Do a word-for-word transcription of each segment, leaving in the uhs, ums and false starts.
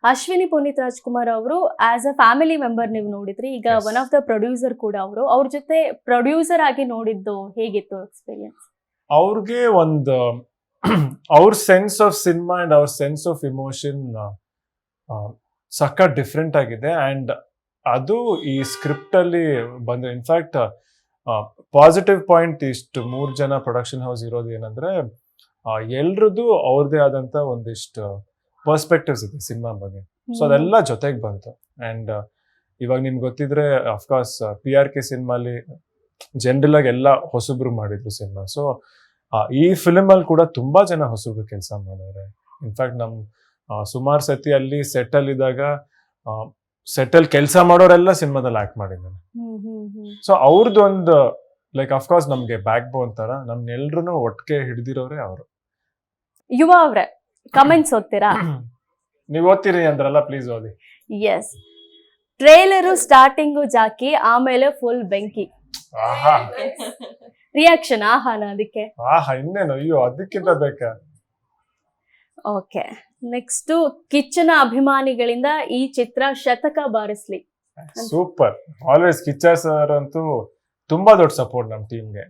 ಅಶ್ವಿನಿ ಪುನೀತ್ ರಾಜ್ಕುಮಾರ್ ಅವರು as a family member ನೀವು ನೋಡಿದ್ರಿ, ಈಗ Yes. One of the producer ಕೂಡ ಅವರು. ಅವ್ರ ಜೊತೆ ಪ್ರೊಡ್ಯೂಸರ್ ಆಗಿ ನೋಡಿದ್ದು ಹೇಗಿತ್ತು ಎಕ್ಸ್ಪೀರಿಯನ್ಸ್? ಅವ್ರಿಗೆ ಒಂದು ಅವ್ರ ಸೆನ್ಸ್ ಆಫ್ ಸಿನಿಮಾ ಅಂಡ್ ಅವ್ರ ಸೆನ್ಸ್ ಆಫ್ ಇಮೋಷನ್ ಸಕ್ಕ ಡಿಫ್ರೆಂಟ್ ಆಗಿದೆ. ಅಂಡ್ ಅದು ಈ ಸ್ಕ್ರಿಪ್ಟ್ ಅಲ್ಲಿ ಬಂದ ಇನ್ಫ್ಯಾಕ್ಟ್ ಪಾಸಿಟಿವ್ ಪಾಯಿಂಟ್ ಇಷ್ಟು ಮೂರ್ ಜನ ಪ್ರೊಡಕ್ಷನ್ ಹೌಸ್ ಇರೋದು ಏನಂದ್ರೆ ಎಲ್ರದ್ದು ಅವ್ರದೇ ಆದಂತ ಒಂದಿಷ್ಟು ಪರ್ಸ್ಪೆಕ್ಟಿವ್ಸ್ ಇದೆ ಸಿನಿಮಾ ಬಗ್ಗೆ. ಸೊ ಅದೆಲ್ಲ ಜೊತೆಗೆ ಬಂತು. ಅಂಡ್ ಇವಾಗ ನಿಮ್ಗೆ ಗೊತ್ತಿದ್ರೆ ಅಫ್ಕೋರ್ಸ್ ಪಿ ಆರ್ ಕೆ ಸಿನಿಮಾಲಿ ಜನರಲ್ ಆಗಿ ಎಲ್ಲ ಹೊಸಬ್ರು ಮಾಡಿದ್ರು ಸಿನಿಮಾ. ಸೊ ಈ ಫಿಲ್ಮ್ ಅಲ್ಲಿ ಕೂಡ ತುಂಬಾ ಜನ ಹೊಸಬ್ರು ಕೆಲಸ ಮಾಡಿದ್ದಾರೆ. ಇನ್ಫ್ಯಾಕ್ಟ್ ನಮ್ ಸುಮಾರು ಸತಿ ಅಲ್ಲಿ ಸೆಟಲ್ ಇದ್ದಾಗ ಸೆಟಲ್ ಕೆಲಸ ಮಾಡೋರೆಲ್ಲ ಸಿನಿಮಾದಲ್ಲಿ ಆಕ್ಟ್ ಮಾಡಿದ್ದಾರೆ. ಸೊ ಅವ್ರದ್ದು ಒಂದು ಲೈಕ್ ಅಫ್ಕೋರ್ಸ್ ನಮ್ಗೆ ಬ್ಯಾಕ್ ಬೋನ್ ತರ ನಮ್ನೆಲ್ರು ಒಟ್ಟಿಗೆ ಹಿಡ್ದಿರೋರೆ ಅವರು. ಯುವ ಅವ್ರೆ ಕಮೆಂಟ್ಸ್ ಓದ್ತೀರಾ? ನೀವ್ ಓದ್ತೀರಿ ಅಂದ್ರಲ್ಲ, ಪ್ಲೀಸ್ ಓದಿ. ಎಸ್. ಟ್ರೇಲರು ಸ್ಟಾರ್ಟಿಂಗು ಜಾಕಿ, ಆಮೇಲೆ ಫುಲ್ ಬೆಂಕಿ. ಆಹಾ ರಿಯಾಕ್ಷನ್ ಆಹಾನ ಅದಕ್ಕೆ? ಆಹಾ ಇನ್ನೇನು, ಅಯ್ಯೋ ಅದಕ್ಕಿಂತ ಬೇಕಾ. ಓಕೆ, ನೆಕ್ಸ್ಟ್ ಕಿಚ್ಚನ ಅಭಿಮಾನಿಗಳಿಂದ ಈ ಚಿತ್ರ ಶತಕ ಬಾರಿಸ್ಲಿ. ಸೂಪರ್. ಆಲ್ವೇಸ್ ಕಿಚ್ಚ ಸರ್ ಅಂತೂ ತುಂಬಾ ದೊಡ್ಡ ಸಪೋರ್ಟ್ ನಮ್ ಟೀಮ್ಗೆ.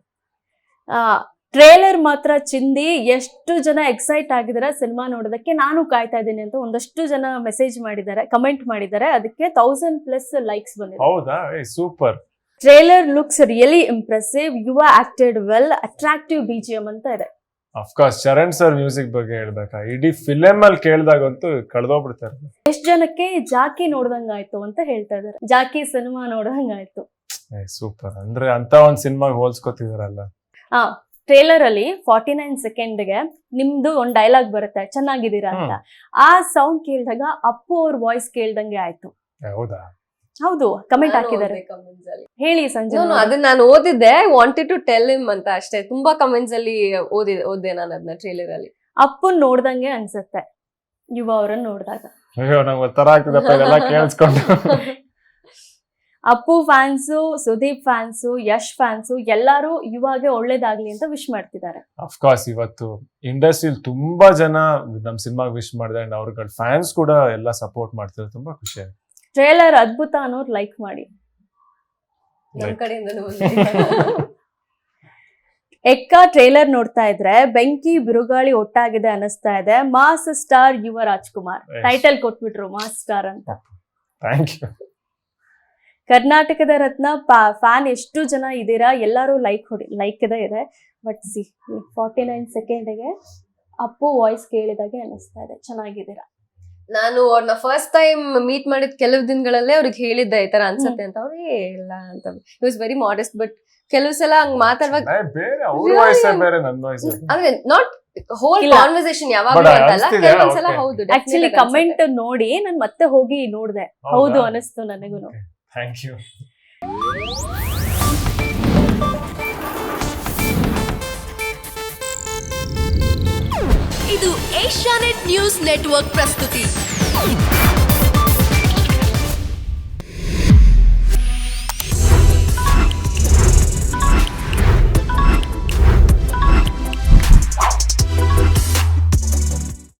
ಟ್ರೇಲರ್ ಮಾತ್ರ ಚಿಂದಿ, ಎಷ್ಟು ಜನ ಎಕ್ಸೈಟ್ ಆಗಿದ್ದಾರೆ ಸಿನಿಮಾ ನೋಡೋದಕ್ಕೆ, ನಾನು ಕಾಯ್ತಾ ಇದ್ದೀನಿ ಅಂತ ಒಂದಷ್ಟು ಜನ ಮೆಸೇಜ್ ಮಾಡಿದ್ದಾರೆ, ಕಮೆಂಟ್ ಮಾಡಿದ್ದಾರೆ. ಅದಕ್ಕೆ ತೌಸಂಡ್ ಪ್ಲಸ್ ಲೈಕ್ಸ್ ಬಂದಿದೆ. ಹೌದಾ? Super. Trailer looks really impressive, Yuva acted well, attractive BGM ಅಂತ ಇದೆ. ಅಫ್ಕೋರ್ಸ್ ಚರಣ್ ಸರ್ ಮ್ಯೂಸಿಕ್ ಬಗ್ಗೆ ಹೇಳ್ಬೇಕಾ, ಇಡೀ ಫಿಲಮ್ ಅಲ್ಲಿ ಕೇಳ್ದಾಗಂತೂ ಕಳ್ದೋಗ್ಬಿಡ್ತಾರೆ. ಎಷ್ಟ್ ಜನಕ್ಕೆ ಜಾಕಿ ನೋಡ್ದಂಗಾಯ್ತು ಅಂತ ಹೇಳ್ತಾ ಇದಾರೆ. ಜಾಕಿ ಸಿನಿಮಾ ನೋಡ್ದಂಗಾಯ್ತು. ಸೂಪರ್. ಅಂದ್ರೆ ಅಂತ ಒಂದ್ ಸಿನಿಮಾಗ್ ಹೋಲ್ಸ್ಕೊತಿದಾರಲ್ಲ. ಹಾ, ಟ್ರೇಲರ್ ಅಲ್ಲಿ ಫಾರ್ಟಿ ನೈನ್ ಸೆಕೆಂಡ್ಗೆ ನಿಮ್ದು ಒಂದ್ ಡೈಲಾಗ್ ಬರುತ್ತೆ, ಚೆನ್ನಾಗಿದ್ದೀರಾ ಅಂತ. ಆ ಸೌಂಡ್ ಕೇಳಿದಾಗ ಅಪ್ಪು ಅವ್ರ ವಾಯ್ಸ್ ಕೇಳ್ದಂಗೆ ಆಯ್ತು. ಹೌದಾ? ಹೌದು, ಕಮೆಂಟ್ ಹಾಕಿದ್ದಾರೆ. ಹೇಳಿ ಸಂಜೆ. ಅದನ್ನ ನಾನು ಓದಿದ್ದೆ, I wanted to tell him ಅಂತ ಅಷ್ಟೇ. ತುಂಬಾ ಕಮೆಂಟ್ಸ್ ಅಲ್ಲಿ ಓದಿದೆ ಓದ್ದೆ ನಾನು ಅದನ್ನ ಟ್ರೇಲರ್ ಅಲ್ಲಿ. ಅಪ್ಪನ್ ನೋಡ್ದಂಗೆ ಅನ್ಸುತ್ತೆ ಯುವ ಅವ್ರನ್ನ ನೋಡಿದಾಗ. ಅಯ್ಯೋ ನಂಗೆ ಒಂಥರ ಆಗ್ತಿದಪ್ಪ ಇದೆಲ್ಲ ಕೇಳಿಸ್ಕೊಂಡು. Appu fans, Sudeep fans, Yash fans ಎಲ್ಲಾರು ಯುವಾಗೆ ಒಳ್ಳೇದಾಗ್ಲಿ ಅಂತ ವಿಶ್ ಮಾಡ್ತಿದ್ದಾರೆ. ಅಫ್ಕೋರ್ಸ್ ಇವತ್ತು ಇಂಡಸ್ಟ್ರಿಯಲ್ಲಿ ತುಂಬಾ ಜನ ನಮ್ ಸಿನಿಮಾಗ್ ವಿಶ್ ಮಾಡಿದೆ. ಅಂಡ್ ಅವ್ರಗಳ ಫ್ಯಾನ್ಸ್ ಕೂಡ ಎಲ್ಲ ಸಪೋರ್ಟ್ ಮಾಡ್ತಿದ್ದಾರೆ. ತುಂಬಾ ಖುಷಿ ಆಯ್ತು. ಟ್ರೇಲರ್ ಅದ್ಭುತ ಅನ್ನೋರು ಲೈಕ್ ಮಾಡಿ. ನಮ್ ಕಡೆಯಿಂದ ಎಕ್ಕ ಟ್ರೇಲರ್ ನೋಡ್ತಾ ಇದ್ರೆ ಬೆಂಕಿ ಬಿರುಗಾಳಿ ಒಟ್ಟಾಗಿದೆ ಅನಿಸ್ತಾ ಇದೆ. Mass star Yuva Rajkumar title ಕೊಟ್ಬಿಟ್ರು, ಮಾಸ್ ಸ್ಟಾರ್ ಅಂತ. Thank you. ಕರ್ನಾಟಕದ ರತ್ನ ಫ್ಯಾನ್ ಎಷ್ಟು ಜನ ಇದ್ದೀರಾ, ಎಲ್ಲರೂ ಲೈಕ್ ಹೊಡಿ ಲೈಕ್ ಇದೆ ಇದೆ. ಬಟ್ ಸಿ ಫಾರ್ಟಿ ನೈನ್ ಸೆಕೆಂಡ್ಗೆ ಅಪ್ಪು ವಾಯ್ಸ್ ಕೇಳಿದಾಗೆ ಅನಿಸ್ತಾ ಇದೆ, ಚೆನ್ನಾಗಿದ್ದೀರಾ. ನಾನು ಅವ್ರನ್ನ ಫಸ್ಟ್ ಟೈಮ್ ಮೀಟ್ ಮಾಡಿದ ಕೆಲವು ದಿನಗಳಲ್ಲೇ ಅವ್ರಿಗೆ ಹೇಳಿದ್ದೆ ಈ ತರ ಅನ್ಸತ್ತೆ ಅಂತ. ಅವ್ರಿಗೆ ಇಲ್ಲ ಅಂತ, it was very modest. But ಕೆಲವು ಸಲ ಹಂಗ್ ಮಾತಾಡುವಾಗ ಅಂದ್ರೆ ನಾಟ್ ಹೋಲ್ ಕಾನ್ವರ್ಸೇಷನ್ ಯಾವಾಗಲೂ ಅಂತಲ್ಲ, ಕೆಲವೊಂದ್ಸಲ ಹೌದು. ಆಕ್ಚುಲಿ ಕಮೆಂಟ್ ನೋಡಿ ನಾನು ಮತ್ತೆ ಹೋಗಿ ನೋಡ್ದೆ, ಹೌದು ಅನಿಸ್ತು ನನಗೂ. Thank you. ಇದು ಏಷ್ಯಾನೆಟ್ ನ್ಯೂಸ್ ನೆಟ್ವರ್ಕ್ ಪ್ರಸ್ತುತಿ.